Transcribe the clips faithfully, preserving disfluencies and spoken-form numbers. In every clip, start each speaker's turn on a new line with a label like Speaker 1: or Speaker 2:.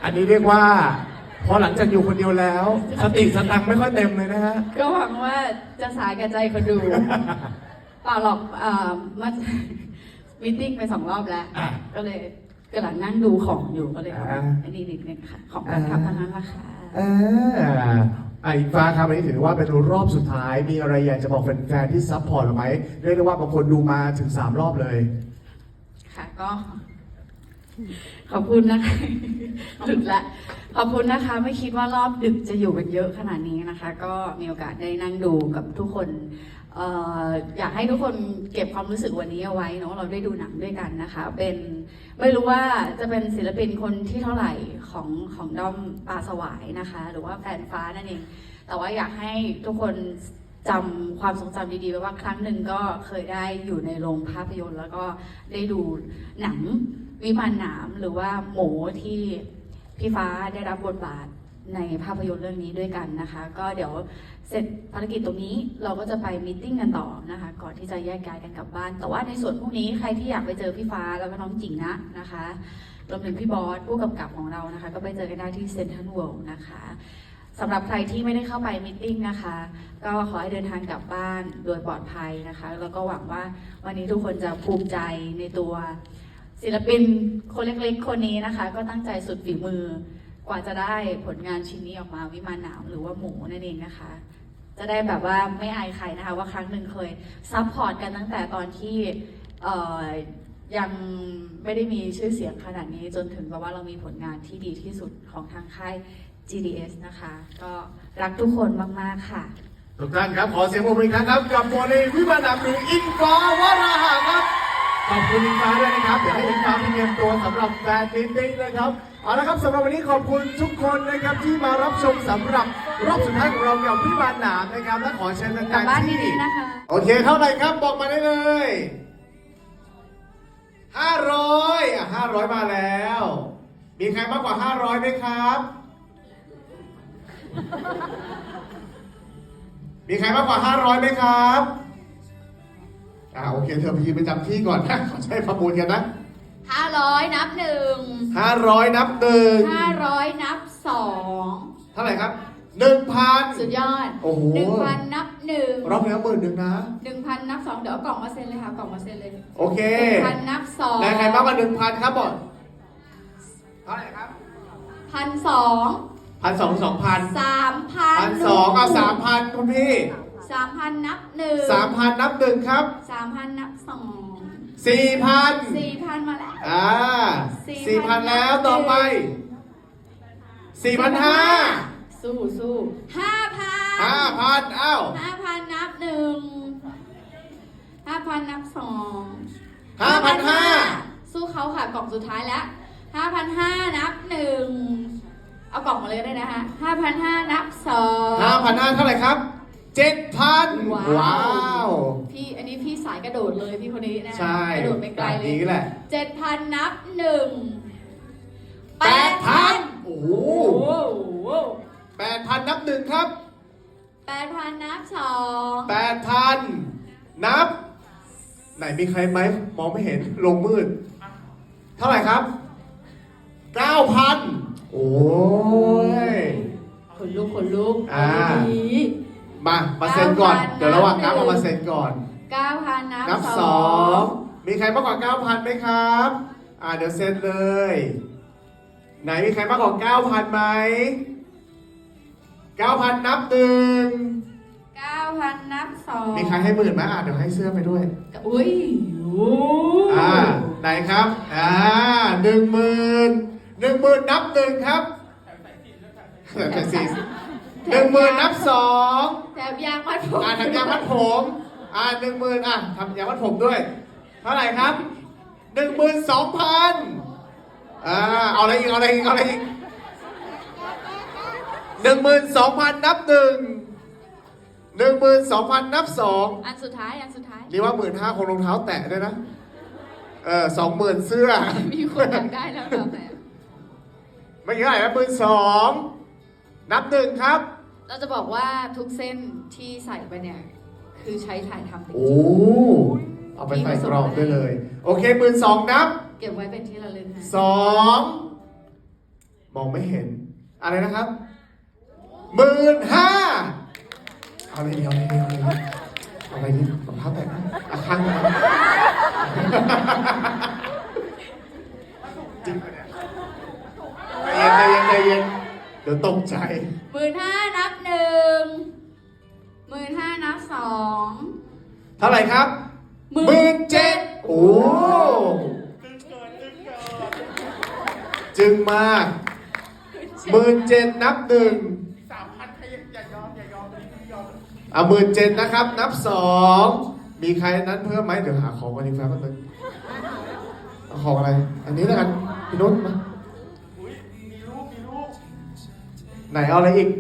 Speaker 1: อันนี้เรียกว่าพอหลังจากอยู่คนเดียวแล้วสติสตังค์ไม่ค่อยเต็มเลยนะฮะ
Speaker 2: ก็หวังว่าจะสาแก่ใจคนดูเปล่าหรอกเอ่อมันมิทติ้งไปสองรอบแล้ว ก็เลยกำลังนั่งดูของอยู่ก็เลยอันนี้นิดนึงค่ะของการทำทางนั้นราคา
Speaker 1: ไอ้ฟ้าครับอันนี้ถือว่าเป็นรอบสุดท้ายมีอะไรอยากจะบอกแฟนๆที่ซัพพอร์ตเราไหมเรียกได้ว่าบางคนดูมาถึงสามรอบเลย
Speaker 2: ค่ะก็ขอบคุณนะคะดึกละขอบคุณนะคะไม่คิดว่ารอบดึกจะอยู่กันเยอะขนาดนี้นะคะก็มีโอกาสได้นั่งดูกับทุกคนเอ่ออยากให้ทุกคนเก็บความรู้สึกวันนี้เอาไว้เนาะเราได้ดูหนังด้วยกันนะคะเป็นไม่รู้ว่าจะเป็นศิลปินคนที่เท่าไหร่ของของด้อมปลาสวายนะคะหรือว่าแฟนฟ้านั่นเองแต่ว่าอยากให้ทุกคนจำความทรงจำดีๆไว้ว่าครั้งหนึ่งก็เคยได้อยู่ในโรงภาพยนตร์แล้วก็ได้ดูหนังวิมานหนามหรือว่าหมูที่พี่ฟ้าได้รับบทบาทในภาพยนตร์เรื่องนี้ด้วยกันนะคะก็เดี๋ยวเสร็จภารกิจตรงนี้เราก็จะไปมีตติ้งกันต่อนะคะก่อนที่จะแยกย้ายกันกลับบ้านแต่ว่าในส่วนพวกนี้ใครที่อยากไปเจอพี่ฟ้าแล้วก็น้องจิงนะนะคะรวมถึงพี่บอสผู้กำกับของเรานะคะก็ไปเจอกันได้ที่เซ็นทรัลเวิลด์นะคะสำหรับใครที่ไม่ได้เข้าไปมีตติ้งนะคะก็ขอให้เดินทางกลับบ้านโดยปลอดภัยนะคะแล้วก็หวังว่าวันนี้ทุกคนจะภูมิใจในตัวศิลปินคนเล็กๆคนนี้นะคะก็ตั้งใจสุดฝีมือกว่าจะได้ผลงานชิ้นนี้ออกมาวิมานหนามหรือว่าหมูนั่นเองนะคะจะได้แบบว่าไม่อายใครนะคะว่าครั้งหนึ่งเคยซัพพอร์ตกันตั้งแต่ตอนที่ยังไม่ได้มีชื่อเสียงขนาดนี้จนถึงแบบว่าเรามีผลงานที่ดีที่สุดของทางค่าย จี ดี เอส นะคะก็รักทุกคนมากๆค่ะ
Speaker 1: ทุกท่านครับขอเสียงปรบมืออีกครั้งครับกับโมเดลวิมานหนามหรืออิงฟ้าวราหะครับขอบคุณอิงฟ้าด้วยนะครับเดี๋ยวให้อิงฟ้าเตรียมตัวสำหรับแฟนมิตติ้งนะครับเอาละครับสำหรับวันนี้ขอบคุณทุกคนนะครับที่มารับชมสำหรับรอบสุดท้ายของเรากับวิมานหนามนะครับและขอเชิญทางการที่โอเคเท่าไหร่ครับบอกมาได้เลยห้าร้อยอ่ะห้าร้อยมาแล้วมีใครมากกว่าห้าร้อยไหมครับมีใครมากกว่าห้าร้อยไหมครับอ่าโอเคเธอไปยืนประจำที่ก่อนนะขอใช้ประมูลกันนะ
Speaker 2: ห้าร้อยนับหนึ่ง
Speaker 1: ห้าร้อยนับหนึ่ง
Speaker 2: ห้าร้อยนับสอง
Speaker 1: เท่าไหร่ครับหนึ่งพัน
Speaker 2: สุดยอด
Speaker 1: โอ้โห
Speaker 2: หนึ่งพันนับหนึ่ง
Speaker 1: รอบแล้วหมื่นหนึ่งนะ
Speaker 2: หนึ่งพันนับสองเดี๋ยวเอากล่องมาเซ็นเลยค่ะกล่องมาเซ็นเลย
Speaker 1: โอเค
Speaker 2: หนึ่งพันนับสอง
Speaker 1: ใครมากกว่าหนึ่งพันครับบอดเท่าไหร่ครับ
Speaker 2: พันสอง
Speaker 1: พันสองสองพัน
Speaker 2: สามพัน
Speaker 1: พันสองเอาสามพันคุณพี่
Speaker 2: สามพันนับหนึ่ง
Speaker 1: สามพันนับหนึ่งครับ
Speaker 2: สามพันนับสอง
Speaker 1: สี่พัน
Speaker 2: สี่พันมาแล้ว
Speaker 1: อ่าสี่พันแล้วต่อไปสี่พันห้า
Speaker 2: สู้สู้ห้าพัน
Speaker 1: ห้าพันเอ้า
Speaker 2: ห้าพันนับหนึ่งห้าพันนับสอง
Speaker 1: ห้าพันห้า
Speaker 2: สู้เขาค่ะกล่องสุดท้ายแล้วห้าพันห้านับหนึ่งเอากล่องมาเลยได้นะคะห้าพันห้านับสอง
Speaker 1: ห้าพันห้าเท่าไหร่ครับเจ็ดพันว้าว
Speaker 2: พี่อันนี้พี่สายกระโดดเลยพี่คนนี้นะ
Speaker 1: ใช่
Speaker 2: กระโดดไปไกลเลย
Speaker 1: นี่แหละ
Speaker 2: เจ็ดพันนับหนึ่ง
Speaker 1: แปดพันโอ้โหแปดพันนับหนึ่งครับ
Speaker 2: แปดพันนับสอง
Speaker 1: แปดพันนับไหนมีใครไหมมองไม่เห็นลงมืดเท่าไหร่ครับเก้าพันโอ้ย
Speaker 2: ขนลุกขนลุก
Speaker 1: อ่ามามาเซ็นก่อนเดี๋ยวระหว่างนับเอามาเซ็นก่อน
Speaker 2: เก้าพัน
Speaker 1: นับสองมีใครมากกว่าเก้าพันไหมครับอ่าเดี๋ยวเซ็นเลยไหนมีใครมากกว่าเก้าพันไหมเก้าพันนับหนึ่ง
Speaker 2: เก้าพันนับสอง
Speaker 1: มีใครให้หมื่นไหมอ่าเดี๋ยวให้เสื้อไปด้วย
Speaker 2: อุ้ย
Speaker 1: อ่าไหนครับอ่าหนึ่งหมื่นหนึ่งหมื่นนับหนึ่งครับแต่สี่หนึ่งหมื่นนับสอง
Speaker 2: แถมยางมัดผม
Speaker 1: อ่าทำยางมัดผมอ่าหนึ่งหมื่นอ่ะทำยางมัดผมด้วยเท่าไหร่ครับหนึ่งหมื่นสองพันอ่าเอาอะไรอีกเอาอะไรอีกเอาอะไรอีกหนึ่งหมื่นสองพันนับหนึ่งหนึ่งหมื่นสองพันนับสอง
Speaker 2: อันสุดท้ายอันสุดท้าย
Speaker 1: นี่ว่าหมื่นห้าคงรองเท้าแตะด้วยนะเออสองหมื่นเสื้อ
Speaker 2: มีคนอยากได้แล้วเราแต่
Speaker 1: ไม่เท่าไหร่นะหมื่นสองนับหนึ่งครับ
Speaker 2: เราจะบอกว่าทุกเส้นที่ใส่ไปเนี่ยคือใช้ถ่ายทำจริงๆ
Speaker 1: โอ้เอาไปใส่กรอบได้เลยโอเคหมื่นสองนับ
Speaker 2: เก็บไว้เป็นที่ระลึกนะ
Speaker 1: สองมมองไม่เห็น อะไรนะครับหมื่นห้าเอาอะไรเดียวเอาอะไรเดียวเอาอะไรเดียวรองเท้าแตะอะข้างนะจริงปะเนี่ยใจเย็นใจเย็นใจเย็นเดี๋ยวตกใจ
Speaker 2: หมื่นห้านับหนึ่งหมื่นห้านับสอง
Speaker 1: เท่าไหร่ครับ
Speaker 2: หมื่น
Speaker 1: หมื่นเจ็ดโอ้จึงมากหมื่นเจ็ดนับหนึ่งสามพันอย่ายอมอย่ายอมอย่ายอมอ่ะหมื่นเจ็ดนะครับ นับสองมีใครนั้นเพิ่มไหมเดี๋ยวหาของกันดีกว่าแป๊บนึงเอาของอะไร อันนี้แล้วกันพี่นุชมามีรูปมีรูปไหนเอาอะไรอีก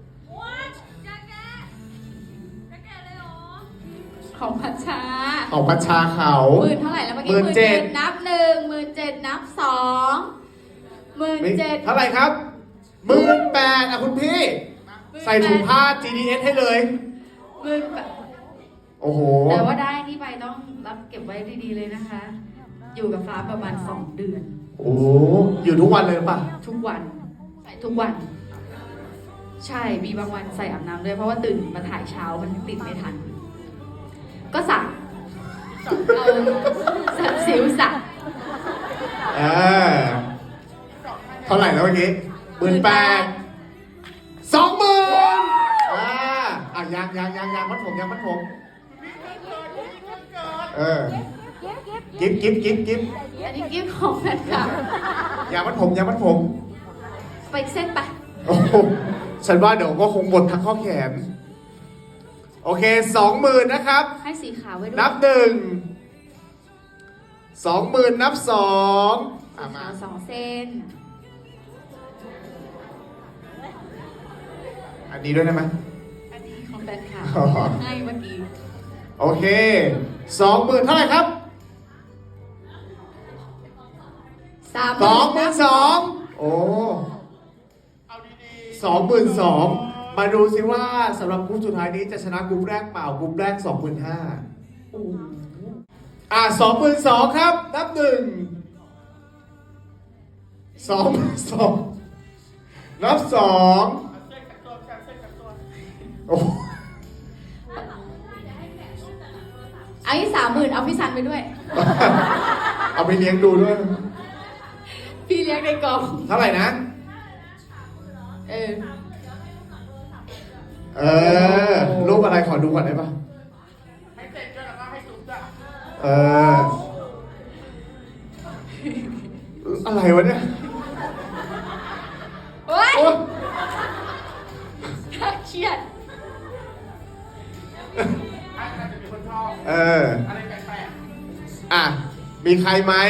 Speaker 2: ของพัชชา
Speaker 1: ของประชาเขา
Speaker 2: หมื่นเท่าไหร่แล้วเมื่อกี้
Speaker 1: หมื่นเจ็ด
Speaker 2: นับหนึ่งหมื่นเจ็ดนับสองหมื่นเจ็ด
Speaker 1: เท่าไหร่ครับหมื่นแปดอ่ะคุณพี่ ใส่ถุงผ้า จี ดี เอส ให้เลย
Speaker 2: หมื่นแปด
Speaker 1: โอ้โห
Speaker 2: แต่ว่าได้นี่ไปต้องรับเก็บไว้ดีๆเลยนะคะ อยู่กับฟ้าประมาณสองเดือน
Speaker 1: โอ้โหอยู่ทุกวันเลยหรือเปล่ะ
Speaker 2: ทุกวันใส่ทุกวัน ใช่มีบางวันใส่อาบน้ำด้วยเพราะว่าตื่นมาถ่ายเช้ามันติดไม่ทัน ก็สั่งเอาสัตว์สิวสั่ง
Speaker 1: เออเท่าไหร่แล้วเมื่อกี้หมื่นแปดสองหมื่นอ่าอ่ะยังยังยังยังมัดผมยังมัดผมเออกิ๊บกิ๊บกิ๊บกิ๊บ
Speaker 2: อันนี้กิฟต์ของแฟนคลับ
Speaker 1: ยังมัดผมยังมัดผม
Speaker 2: ไปเส้นไป
Speaker 1: โอ้โหฉันว่าเดี๋ยวก็คงหมดทั้งข้อแขน โอเคสองหมื่นนะครับ
Speaker 2: ให้สีขาวไว้ด้วย
Speaker 1: นับหนึ่งสองหมื่นนับสองอ่ะ
Speaker 2: สี
Speaker 1: มา
Speaker 2: ขาวสองเส้น
Speaker 1: อันนี้ด้วยได้ไหม
Speaker 2: อันนี้ของแฟนคลับ
Speaker 1: อ๋อ
Speaker 2: ให้เมื่อกี้
Speaker 1: โอเคสองหมื่นเท่าไหร่ครับ
Speaker 2: สาม
Speaker 1: สองหมื่นสองโอ้สองหมื่นสองมาดูสิว่าสำหรับกลุ่มสุดท้ายนี้จะชนะกลุ่มแรกเปล่ากลุ่มแรกสองหมื่นห้าอ่ะสองหมื่นสองครับ นับหนึ่งสองหมื่นสองนับสองโอ้
Speaker 2: ไอ้สามหมื่นเอาพี่ซันไปด้วย
Speaker 1: เอาไปเลี้ยงดูด้วย
Speaker 2: พี่เลี้ยงในกอง
Speaker 1: เท่าไหร่นะ
Speaker 2: เออ
Speaker 1: เออ รูปอะไรขอดูก่อนได้ปะให้เสร็จด้วยแล้วก็ให้จุ๊บจ้ะเออ อะไรวะเนี่ย
Speaker 2: โอ๊ย
Speaker 1: โอ๊ย
Speaker 2: น่าเครียด
Speaker 1: เออ อ่ะ มีใครไหม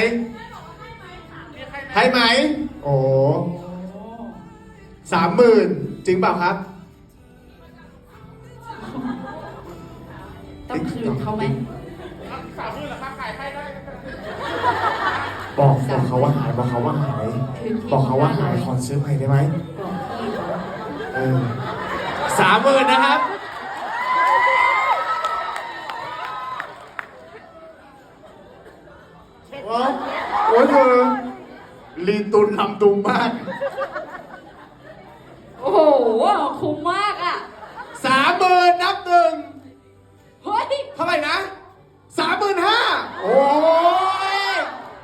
Speaker 1: ให้ไหม โอ้สามหมื่นจริงเปล่าครับ
Speaker 2: ต้องคืนเขาไหม
Speaker 3: สามหมื่นเหรอคะขายให้ได้
Speaker 1: บอกบอกเขาว่าหาย บอกเขาว่าหาย บอกเขาว่าหายขอซื้อใหม่ได้ไหม
Speaker 2: บอกพี่เขา
Speaker 1: เออสามหมื่นนะครับ โอ้โหเธอลีตุนลำตุงมาก
Speaker 2: โอ้โห คุ้มมากอ่ะ
Speaker 1: สามหมื่นนับหนึ่ง
Speaker 2: เฮ้ย
Speaker 1: เท่าไหร่นะสามหมื่นห้าโอ้ย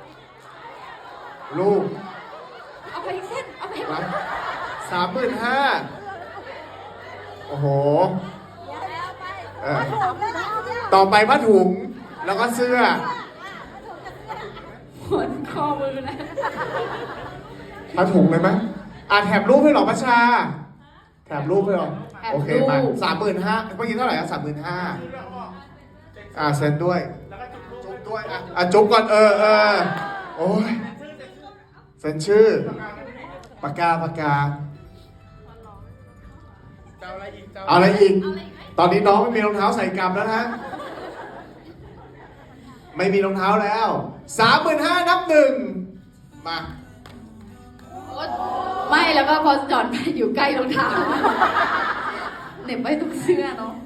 Speaker 1: ลูก
Speaker 2: เอาไปอีกเส้น เอาไป
Speaker 1: สามหมื่นห้าโอ้โหเออต่อไปผ้าถุง แล้วก็เสื้อ
Speaker 2: หนคอมือนะ
Speaker 1: ผ้าถุงเลยไหมอ่ะแถบรูปให้หรอพัชชา แถบรูปให้หรอ โอเคมาสามหมื่นห้าเมื่อกี้เท่าไหร่อ่ะสามหมื่นห้าอ่ะเซ็นด้วย จุ๊บด้วยอ่ะอ่ะจุ๊บก่อนเออเออโอ้ยเซ็นชื่อ ปากกาปากกา
Speaker 3: จะเอาอะไรอีกจะ
Speaker 1: เอาอะไรอีก ตอนนี้น้องไม่มีรองเท้าใส่กลับแล้วนะ ไม่มีรองเท้าแล้ว สามหมื่นห้านับหนึ่ง มา
Speaker 2: ไม่แล้วก็พอจอดไปอยู่ใกล้รองเท้าเหน็บไว้ตรงเสื้อเนาะ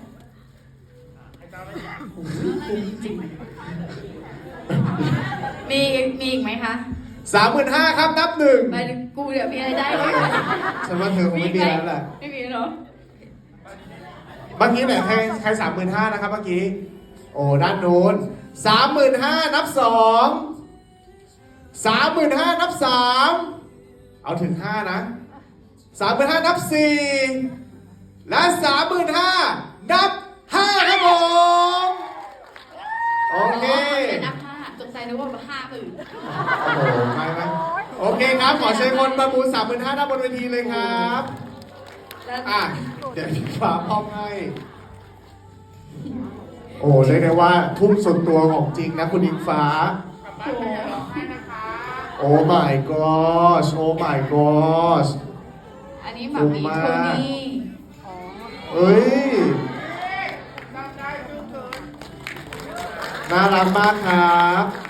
Speaker 2: จริงมีอีกมีอีกไหมคะ
Speaker 1: สามหมื่นห้าครับนับหนึ่ง
Speaker 2: หมายถึงกูเดี๋ยวมีอะไรได้ไหม
Speaker 1: ฉันว่าเธอคงไม่มีแล้วแหละ
Speaker 2: ไม่มีเนาะ
Speaker 1: เมื่อกี้เนี่ยใครใครสามหมื่นห้านะครับเมื่อกี้ โอ้ด้านนู้นสามหมื่นห้านับสองสามหมื่นห้านับสามเอาถึงห้านะสามหมื่นห้านับสี่และสามหมื่นห้านับห้าครับผมโอเค
Speaker 2: นับห้าสงสัยนึกว่าห้าหมื่น
Speaker 1: โอ้โหไม่ไม่โอเคครับ ขอเชิญคนประมูลสามหมื่นห้าด้านบนเวทีเลยครับ
Speaker 2: แล้ว
Speaker 1: อ่ะ เดี๋ยวพี่ฟ้าพร้อมให้ โอ้เรียกได้ว่าทุ่มสุดตัวของจริงนะคุณอิงฟ้า
Speaker 3: กลับบ้านไปอย่าร้องไห้นะคะ
Speaker 1: โอ้ my gosh โอ้ my gosh
Speaker 2: อันนี้หมามีโทนี่
Speaker 1: เอ้ย
Speaker 3: จำได้ซึ่งเกิน
Speaker 1: น่ารักมากครับ